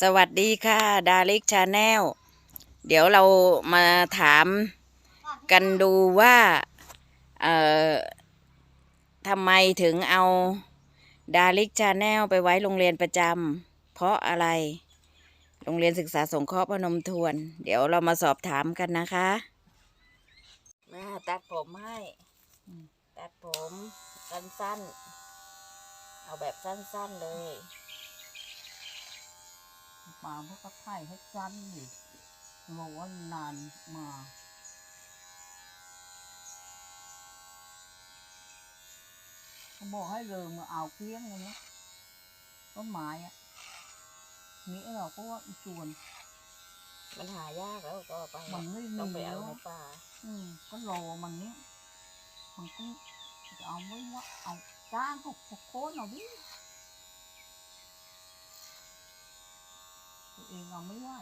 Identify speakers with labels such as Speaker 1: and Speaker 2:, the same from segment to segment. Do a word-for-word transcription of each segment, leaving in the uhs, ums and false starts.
Speaker 1: สวัสดีค่ะดาริกชาแนลเดี๋ยวเรามาถามกันดูว่าเอ่อทำไมถึงเอาดาริกชาแนลไปไว้โรงเรียนประจำเพราะอะไรโรงเรียนศึกษาสงเคราะห์พนมทวน เดี๋ยวเรามาสอบถามกันนะคะมาตัดผมให้ตัดผมสั้นๆเอาแบบสั้นๆเลย
Speaker 2: มาเพื่อก็ถ่ายให้สั้นดิบอกว่านานมาเขาบอกให้เริงมาเอาเกลี้ยงเลยนะต้นไม้อะนี่เราก็ว่าอีจวน
Speaker 1: มันหายากแล้วก็ไป
Speaker 2: มันไม่มี
Speaker 1: ต้องไปเอา
Speaker 2: แล้ว
Speaker 1: ในป่า
Speaker 2: อืมก็รอมันเนี้ยมันก็จะเอาไว้ว่าเอาจ้างเขาโค่นเอาดิตัวเองเอาไม่ไหว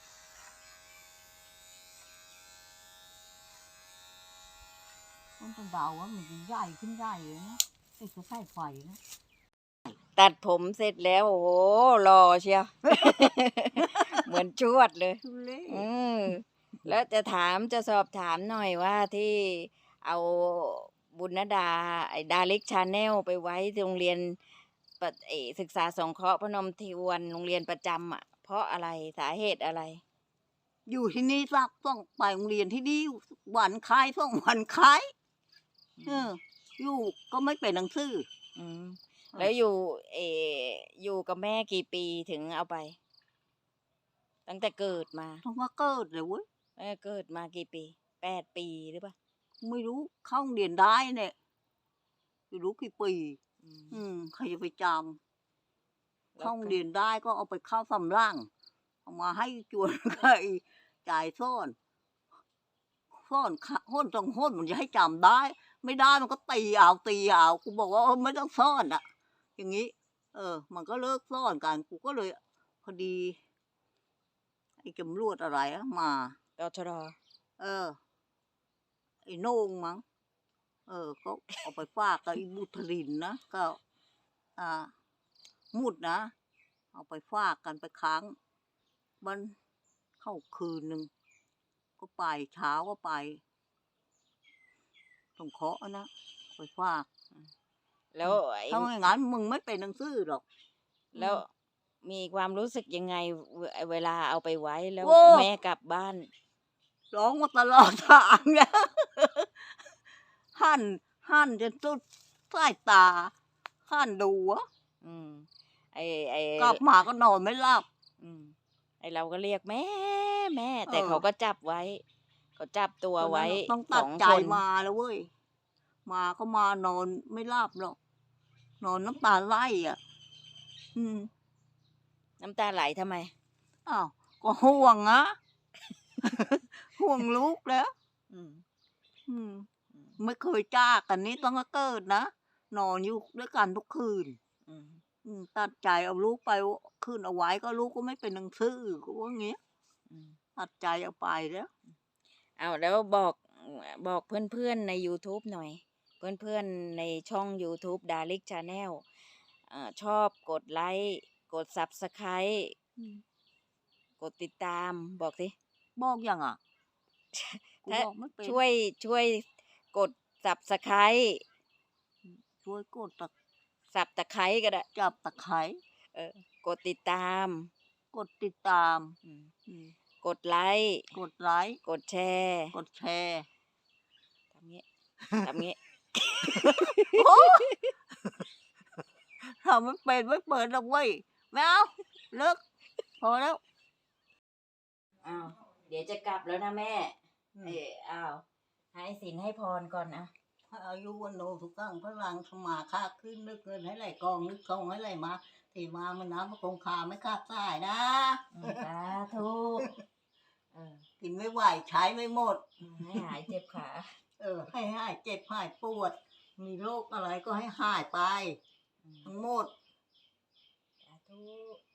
Speaker 2: ต้นตะดาวว่ามันจะใหญ่ขึ้นใหญ่เลยนะติดจะใส่ไฟนะ
Speaker 1: ตัดผมเสร็จแล้วโอ้โหรอเชียว เหมือนชวดเลย
Speaker 2: ทุเล่
Speaker 1: อืมแล้วจะถามจะสอบถามหน่อยว่าที่เอาบุญนดาไอ้ดาริกชาแนลไปไว้โรงเรียนปะเออศึกษาสงเคราะห์พนมทวนโรงเรียนประจำอ่ะ เพราะอะไรสาเหตุอะไร
Speaker 2: อยู่ที่นี่สักต้องไปโรงเรียนที่นี่วันคล้ายต้องวันคล้ายเออ อยู่ก็ไม่เป็นหนังสือ
Speaker 1: อืมแล้วอยู่เอออยู่กับแม่กี่ปีถึงเอาไป ตั้งแต่เกิดมา
Speaker 2: ต้องมาเกิดเลยเว้ย
Speaker 1: แม่เกิดมากี่ปีแปดปีหรือเปล่า
Speaker 2: ไม่รู้เข้าโรงเรียนได้เนี่ยไม่รู้กี่ปี
Speaker 1: อืม
Speaker 2: อืมใครจะไปจ
Speaker 1: แล้วก็
Speaker 2: ำเข้าโรงเรียนได้ก็เอาไปเข้าสำร่างเอามาให้จวน ใครจ่ายซ่อนซ่อนขะห้นต้องห้นมันจะให้จำได้ ไม่ได้มันก็ตีเอาตีเอากูบอกว่าเออไม่ต้องซ่อนอ่ะ อย่างนี้ เออ มันก็เลิกซ่อนกันกูก็เลย พอดีไอ้ตำรวจอะไรอะมา
Speaker 1: ตชด
Speaker 2: เออ ไอ้โหน่งมั้งเออก็เอาไปฝากกับไอ้บุตรินนะก็ อ่า มุดนะเอาไปฝากกันไปค้างมันเข้าคืนหนึ่งก็ไปเช้าก็ไปต้องเคาะนะไปฝาก
Speaker 1: แล้วไอ้
Speaker 2: ถ้าไม่งั้นมึงไม่เป็นหนังสือหรอก
Speaker 1: แล้วมีความรู้สึกยังไงเวเวลาเอาไปไว้แล้ว
Speaker 2: โอ้
Speaker 1: แม่กลับบ้าน
Speaker 2: ร้องมาตลอดทางนะ หั่นหั่นจนสุดสายตาหั่นดูอะ
Speaker 1: อืมไอ้ไอ้
Speaker 2: กลับมาก็นอนไม่หลับ
Speaker 1: อืมไอ้เราก็เรียกแม่แม่ แต่
Speaker 2: เออ
Speaker 1: เขาก็จับไว้เขาจับตัวไว้
Speaker 2: ต้อง
Speaker 1: ส
Speaker 2: ตัด
Speaker 1: อง
Speaker 2: ใจ
Speaker 1: คน
Speaker 2: มาแล้วเว้ย มาก็มานอนไม่หลับหรอก นอนน้ำตาไหลอ่ะ อืม
Speaker 1: น้ำตาไหลทำไม
Speaker 2: อ้าวก็ห่วงอะ ห่วงลูกแล้ว
Speaker 1: อืม
Speaker 2: อืม
Speaker 1: อืม
Speaker 2: ไม่เคยจากกันนี้ต้องก็เกิดนะ นอนอยู่ด้วยกันทุกคืน
Speaker 1: อืม
Speaker 2: อืม ตัดใจเอาลูกไปคืนเอาไว้ก็ลูกก็ไม่เป็นหนังสือก็ว่างี้
Speaker 1: อืม
Speaker 2: ตัดใจเอาไปแล้ว
Speaker 1: เอาแล้วบอกบอกเพื่อนๆใน YouTube หน่อย เพื่อนๆในช่อง YouTube ดาริกชาแนลอ่าชอบกดไลค์กด Subscribe
Speaker 2: อืม
Speaker 1: กดติดตามบอกสิ
Speaker 2: บอกยังอ่ะ กู
Speaker 1: ถ้า
Speaker 2: บอกไม่เป็น
Speaker 1: ช่วยช่วยกด Subscribe
Speaker 2: ช่วยกดตะ
Speaker 1: สับตะไคร้ก็ได้
Speaker 2: จับตะไคร้
Speaker 1: เออกดติดตาม
Speaker 2: กดติดตาม
Speaker 1: อืม
Speaker 2: อืม
Speaker 1: กดไลค์
Speaker 2: กดไลค์
Speaker 1: กดแชร์
Speaker 2: กดแชร์
Speaker 1: ทำงี้ ทำงี้
Speaker 2: โอ้ทำไม่เป็นไม่เปิดหรอกเว้ยไม่เอาเลิกพอแล้ว
Speaker 1: อ้าวเดี๋ยวจะกลับแล้วนะแม่
Speaker 2: อืม
Speaker 1: เอออ้าวให้สินให้พรก่อนนะ
Speaker 2: อายุวันโนทุกตั้งพลังสมาค่าขึ้นนึกเงินให้ไหลกองนึกทองให้ไหลมาที่มามันน้ำมันคงคาไม่ขาดสายนะ
Speaker 1: อืมสาธุเออ
Speaker 2: กินไม่ไหวใช้ไม่หมด
Speaker 1: ให้หายเจ็บขา
Speaker 2: เออ ให้หายเจ็บหายปวด มีโรคอะไรก็ให้หายไป
Speaker 1: อืม
Speaker 2: ทั้งหมด
Speaker 1: สาธุ